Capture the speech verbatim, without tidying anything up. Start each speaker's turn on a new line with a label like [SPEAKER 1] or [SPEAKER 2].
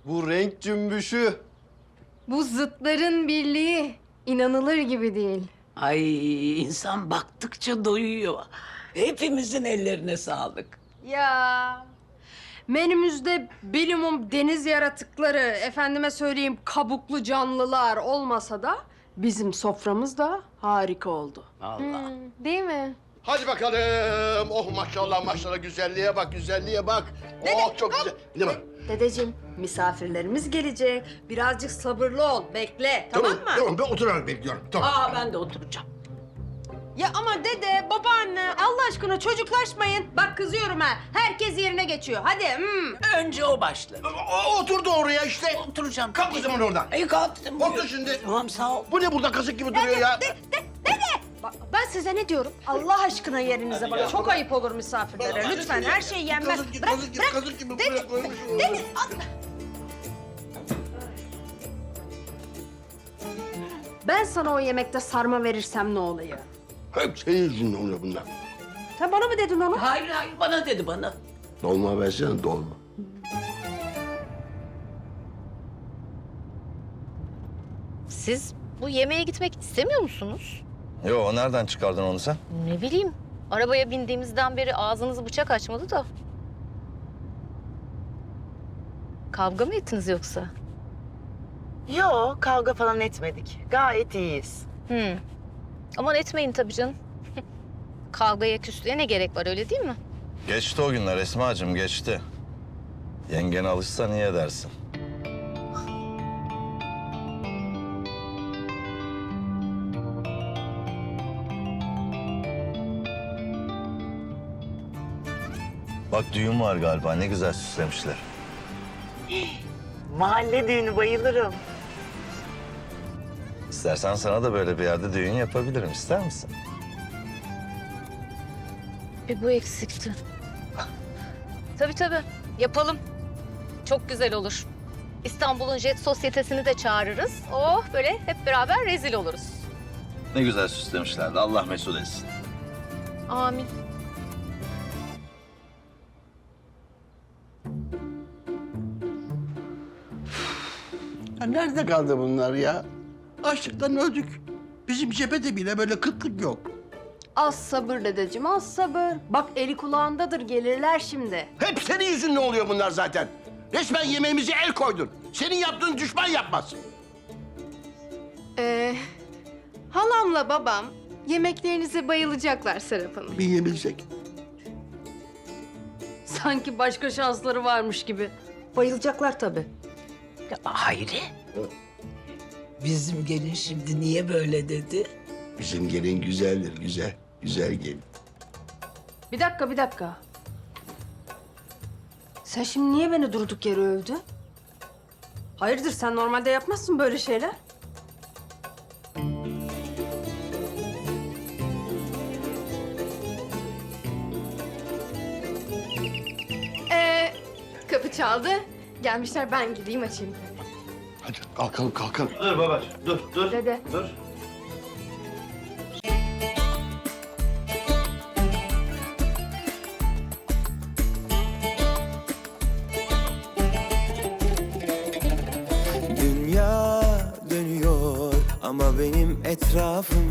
[SPEAKER 1] Bu renk cümbüşü.
[SPEAKER 2] Bu zıtların birliği inanılır gibi değil.
[SPEAKER 3] Ay insan baktıkça doyuyor. Hepimizin ellerine sağlık.
[SPEAKER 2] Ya menümüzde bilimum deniz yaratıkları, efendime söyleyeyim kabuklu canlılar olmasa da bizim soframız da harika oldu.
[SPEAKER 3] Vallahi.
[SPEAKER 2] Değil mi?
[SPEAKER 4] Hadi bakalım. Oh maşallah maşallah güzelliğe bak güzelliğe bak. Oh çok güzel. Ne var?
[SPEAKER 2] Dedeciğim, misafirlerimiz gelecek. Birazcık sabırlı ol, bekle. Tamam, mı?
[SPEAKER 4] Tamam ben oturarak bekliyorum. Tamam.
[SPEAKER 3] Aa ben de oturacağım.
[SPEAKER 2] Ya ama dede, babaanne, Allah aşkına çocuklaşmayın. Bak kızıyorum ha. Herkes yerine geçiyor. Hadi. Hmm.
[SPEAKER 3] Önce o başladı.
[SPEAKER 4] O, oturdu oraya işte.
[SPEAKER 3] Oturacağım.
[SPEAKER 4] Kalk o zaman oradan.
[SPEAKER 3] Ay kalktım.
[SPEAKER 4] Otur şimdi.
[SPEAKER 3] Tamam sağ ol.
[SPEAKER 4] Bu ne burada kasık gibi duruyor ya?
[SPEAKER 2] Bak, ben size ne diyorum? Allah aşkına yerinize bakın. Çok ayıp olur misafirlere. Lütfen her şey yenmez.
[SPEAKER 4] Kazık gibi,
[SPEAKER 2] Bırak,
[SPEAKER 4] kazık gibi,
[SPEAKER 2] bırak.
[SPEAKER 4] kazık gibi
[SPEAKER 2] Dede,
[SPEAKER 4] buraya koymuşum.
[SPEAKER 2] dede, al. Ben sana o yemekte sarma verirsem ne oluyor?
[SPEAKER 4] Hep senin yüzünden oluyor bunlar.
[SPEAKER 2] Sen bana mı dedin onu?
[SPEAKER 3] Hayır hayır bana dedi bana.
[SPEAKER 4] Dolma versene dolma.
[SPEAKER 5] Siz bu yemeğe gitmek istemiyor musunuz?
[SPEAKER 6] Yo, nereden çıkardın onu sen?
[SPEAKER 5] Ne bileyim. Arabaya bindiğimizden beri ağzınızı bıçak açmadı da. Kavga mı ettiniz yoksa?
[SPEAKER 7] Yok, kavga falan etmedik. Gayet iyiyiz.
[SPEAKER 5] Hmm. Aman etmeyin tabii canım. Kavgaya, küslüğe ne gerek var öyle değil mi?
[SPEAKER 6] Geçti o günler Esma'cığım, geçti. Yengen alışsa niye dersin? Bak düğün var galiba, ne güzel süslemişler.
[SPEAKER 7] Mahalle düğünü bayılırım.
[SPEAKER 6] İstersen sana da böyle bir yerde düğün yapabilirim, ister misin?
[SPEAKER 5] Bir bu eksikti. Tabii tabii. Yapalım. Çok güzel olur. İstanbul'un jet sosyetesini de çağırırız. Oh böyle hep beraber rezil oluruz.
[SPEAKER 6] Ne güzel süslemişlerdi, Allah mesut etsin.
[SPEAKER 5] Amin.
[SPEAKER 4] Ya nerede kaldı bunlar ya? Açlıktan öldük. Bizim cephede bile böyle kıtlık yok.
[SPEAKER 2] Az sabır dedeciğim, az sabır. Bak eli kulağındadır, gelirler şimdi.
[SPEAKER 4] Hep senin yüzünden oluyor bunlar zaten. Resmen yemeğimize el koydun. Senin yaptığın düşman yapmaz.
[SPEAKER 2] Ee, halamla babam yemeklerinize bayılacaklar Serap Hanım.
[SPEAKER 4] Bir yiyebilsek.
[SPEAKER 2] Sanki başka şansları varmış gibi. Bayılacaklar tabii.
[SPEAKER 3] Ya, Hayri. Bizim gelin şimdi niye böyle dedi?
[SPEAKER 4] Bizim gelin güzeldir, güzel. Güzel gelin.
[SPEAKER 2] Bir dakika, bir dakika. Sen şimdi niye beni durduk yere övdün? Hayırdır, sen normalde yapmazsın böyle şeyler. Ee, kapı çaldı. Gelmişler, ben gideyim açayım.
[SPEAKER 4] Hadi kalkalım, kalkalım.
[SPEAKER 6] Dur babacığım, dur, dur.
[SPEAKER 2] Dede.
[SPEAKER 6] Dur.
[SPEAKER 8] Dünya dönüyor ama benim etrafım